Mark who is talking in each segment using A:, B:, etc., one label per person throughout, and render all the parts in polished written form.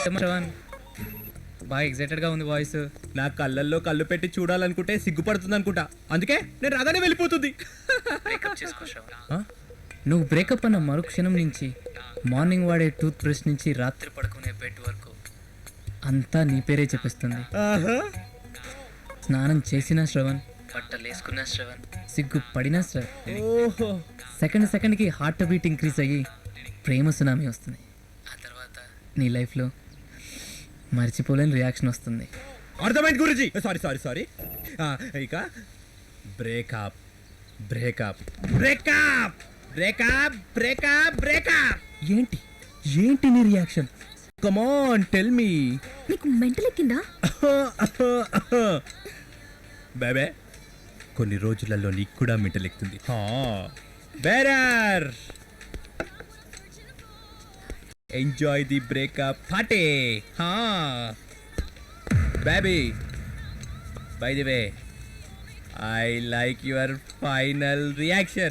A: శ్రవణ్ బాగా ఎక్సైటెడ్గా ఉంది వాయిస్.
B: నా కళ్ళల్లో కళ్ళు పెట్టి చూడాలనుకుంటే సిగ్గుపడుతుంది అనుకుంటా, అందుకే నేను రాగానే వెళ్ళిపోతుంది.
A: నువ్వు బ్రేకప్ అన్న మరుక్షణం నుంచి మార్నింగ్ వాడే టూత్ బ్రష్ నుంచి రాత్రి పడుకునే బెడ్ వరకు అంతా నీ పేరే చెప్పిస్తుంది. స్నానం చేసిన శ్రవణ్, బట్టలు వేసుకున్న శ్రవణ్, సిగ్గు పడిన శ్రవణ్, సెకండ్కి హార్ట్ బీట్ ఇంక్రీజ్ అయ్యి ప్రేమ సునామీ వస్తుంది. ఆ తర్వాత నీ లైఫ్లో మర్చిపోలేని రియాక్షన్ వస్తుంది.
B: అర్థమైంది గురుజీ. సారీ ఇక breakup breakup breakup breakup breakup breakup.
A: ఏంటి నీ reaction?
B: Come on tell me.
C: నీకు మెంటల్ ఎక్కిందా?
B: బేబే కొన్ని రోజులలో నీకు కూడా మెంటల్ ఎక్కుతుంది. Bearer enjoy the breakup party. Baby by the way I like your final reaction.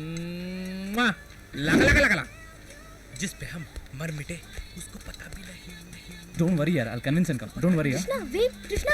B: लगा जिस पे हम मर मिटे उसको पता भी नहीं.
A: Don't worry यार, I'll convince and come. Don't worry यार.
C: కృష్ణ వెయిట్ కృష్ణ.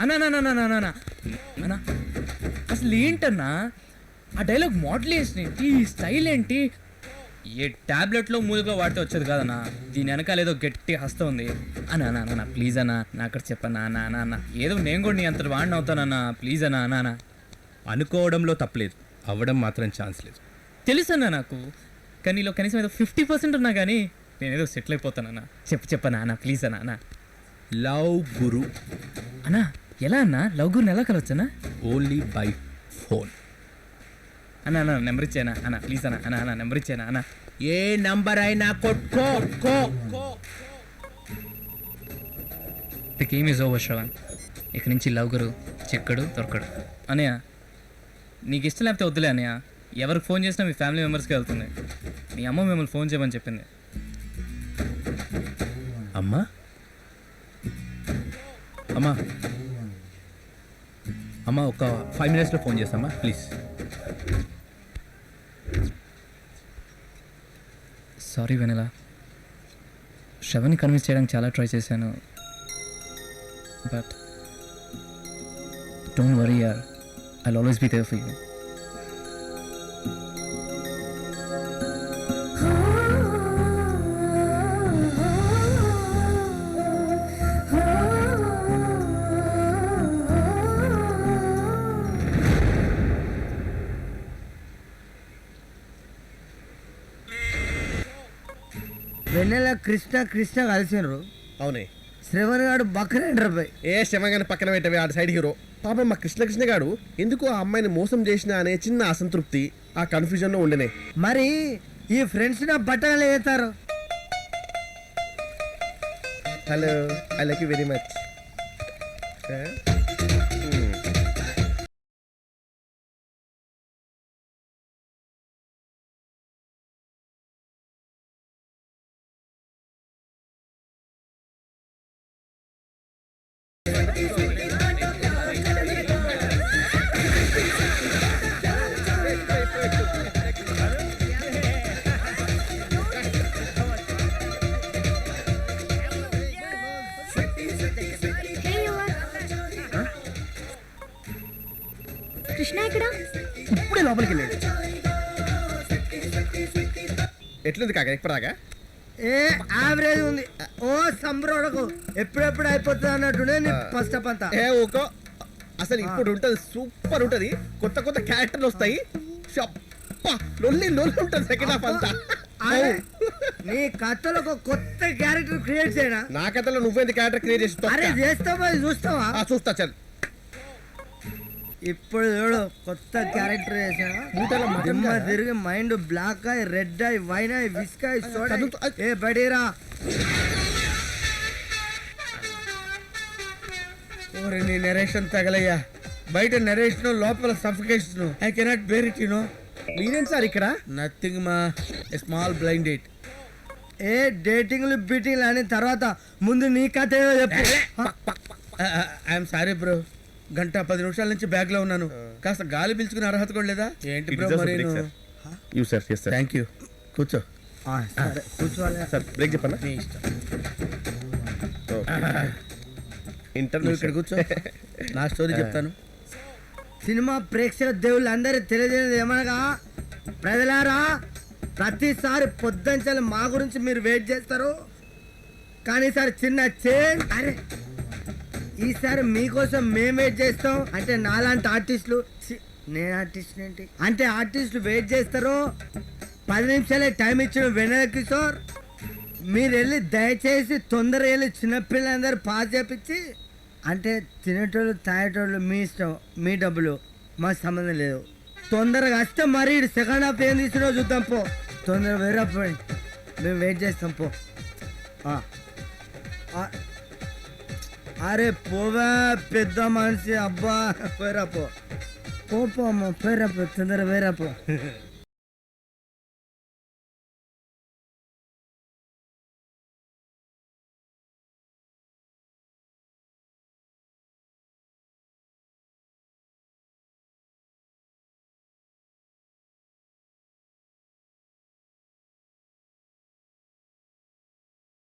A: అన్నా అసలు ఏంటన్నా ఆ డైలాగ్ మోడలేషన్ ఏంటి, ఈ స్టైల్ ఏంటి? ఏ టాబ్లెట్లో మూలుగా వాడితే వచ్చేది కాదన్నా, దీని వెనకాల ఏదో గట్టి హస్తం ఉంది. అన్నా ప్లీజ్ అన్నా, నా అక్కడ చెప్పన్నా అన్న ఏదో నేను కూడా నీ అంత వాడిని అవుతానన్నా, ప్లీజ్ అన్నా.
B: అనుకోవడంలో తప్పలేదు, అవ్వడం మాత్రం ఛాన్స్ లేదు.
A: తెలుసన్నా నాకు, కానీ నీలో కనీసం ఏదో 50% ఉన్నా కానీ నేనేదో సెటిల్ అయిపోతానన్నా. చెప్పన్నా అన్న ప్లీజ్ అన్నా.
B: లవ్ గురు
A: అన్నా ఎలా అన్నా లవ్ గురిని ఎలా కలవచ్చనా?
B: Only by phone.
A: అన్నా నెంబర్ ఇచ్చానా అన్న ప్లీజ్ అన్నా నెంబర్ ఇచ్చానా అన్న?
B: ఏ నంబర్ అయినా కొట్టుకో.
A: The game is over Shravan. ఇక నుంచి లవ్ గురు చెక్కడు దొరకడు. అనయ్య నీకు ఇష్టం లేకపోతే వద్దులే అనయ్య, ఎవరికి ఫోన్ చేసినా మీ ఫ్యామిలీ మెంబర్స్కి వెళ్తుంది. మీ అమ్మ మిమ్మల్ని ఫోన్ చేయమని చెప్పింది.
B: అమ్మా అమ్మా అమ్మా ఒక 5 minutesలో ఫోన్ చేస్తామా ప్లీజ్.
A: సారీ వెనెలా, శ్రవణ్ని కన్విన్స్ చేయడానికి చాలా ట్రై చేశాను, బట్ డోంట్ వరీ యార్, I'll always be there for you.
D: Vennela Krishna కలిసినారు.
E: అవునే,
D: శ్రవణ్ గారు బక్కరేండ్ర పోయి
E: ఏ శ్రమగాని పక్కన పెట్టవే, ఆడ సైడ్ హీరో. పాపం మా కృష్ణ గాడు ఎందుకు ఆ అమ్మాయిని మోసం చేసిన అనే చిన్న అసంతృప్తి, ఆ కన్ఫ్యూజన్ లో ఉండనే.
D: మరి ఈ ఫ్రెండ్స్ నా బట్టలు వేస్తారు.
E: Hello, I like you very much.
C: Krishna ఇక్కడ
E: ఇప్పుడే లోపలికి వెళ్ళాడు. ఎట్లుంది కాక ఎక్కడాగా?
D: యావరేజ్ ఉంది. ఓ సంబరోడకు ఎప్పుడెప్పుడు అయిపోతుంది అన్నట్టునే ఫస్ట్ అప్ అంతా.
E: ఏ ఓకో, అసలు ఇప్పుడు ఉంటది, సూపర్ ఉంటది. కొత్త కొత్త క్యారెక్టర్లు వస్తాయి, లొల్లి ఉంటుంది సెకండ్ హాఫ్ అంతా.
D: నీ కథలో ఒక కొత్త క్యారెక్టర్ క్రియేట్ చేయనా?
E: నా కథలో నువ్వేంది క్యారెక్టర్ క్రియేట్
D: చేస్తావా? చూస్తావా?
E: చూస్తా చల్.
D: ఇప్పుడు చూడు, కొత్త క్యారెక్టర్ చేసా, తిరిగి మైండ్ బ్లాక్ అయి రెడ్ అయి వైన్ అయి విస్క్ అయి సోడా. ఏ బడీరా, ఓరే నీ నెరేషన్ తగలయ్యా. బయట నెరేషన్, లోపల suffocation. I cannot bear it, you know.
E: మీరేంటి సార్ ఇక్కడ?
D: నథింగ్ మా, స్మాల్ బ్లైండ్ డేట్. ఏ డేటింగ్లు బీటింగ్లు అని తర్వాత ముందు నీ కథ ఏదో చెప్పు. ఐఎమ్ సారీ బ్రో, 1-10 నిమిషాల నుంచి బ్యాగ్ లో ఉన్నాను. కాస్త గాలి పీల్చుకునే అర్హత కూడా లేదా ఏంటి బ్రో? మరి
E: థ్యాంక్ యూ. కూర్చో
D: కూర్చోవాలి
E: సార్. బ్రేక్ చెప్పన్నా?
D: నీ ఇష్టం.
E: ఇంటర్వ్యూ
D: ఇక్కడ కూర్చో నా స్టోరీ చెప్తాను. సినిమా ప్రేక్షక దేవుళ్ళు అందరూ తెలియజేయలేదు ఏమనగా, ప్రజలారా ప్రతిసారి పొద్దుంచాలి మా గురించి మీరు వెయిట్ చేస్తారు, కానీ ఈసారి చిన్న చేంజ్. అరే ఈసారి మీకోసం మేము వెయిట్ చేస్తాం. అంటే నాలాంటి ఆర్టిస్టులు నేను ఆర్టిస్ట్ ఏంటి అంటే ఆర్టిస్టులు వెయిట్ చేస్తారు. 10 నిమిషాలే టైం ఇచ్చిన వెన్నెల కిషోర్, మీరు వెళ్ళి దయచేసి తొందరగా వెళ్ళి చిన్నపిల్లలందరూ పాస్ చేపించి, అంటే తినేటోళ్ళు తాగేటోళ్ళు మీ ఇష్టం, మీ డబ్బులు, మాకు సంబంధం లేదు. తొందరగా వస్తే మరి సెకండ్ హాఫ్ ఏం తీసుకున్నావు చూద్దాం. పో తొందరగా వేరే పోయింది, మేము వెయిట్ చేస్తాం. పో అరే పోవా పెద్ద మనిషి, అబ్బా పోయిరా పో, పో అమ్మ పోయిరా పో, తొందరగా వేరా పో.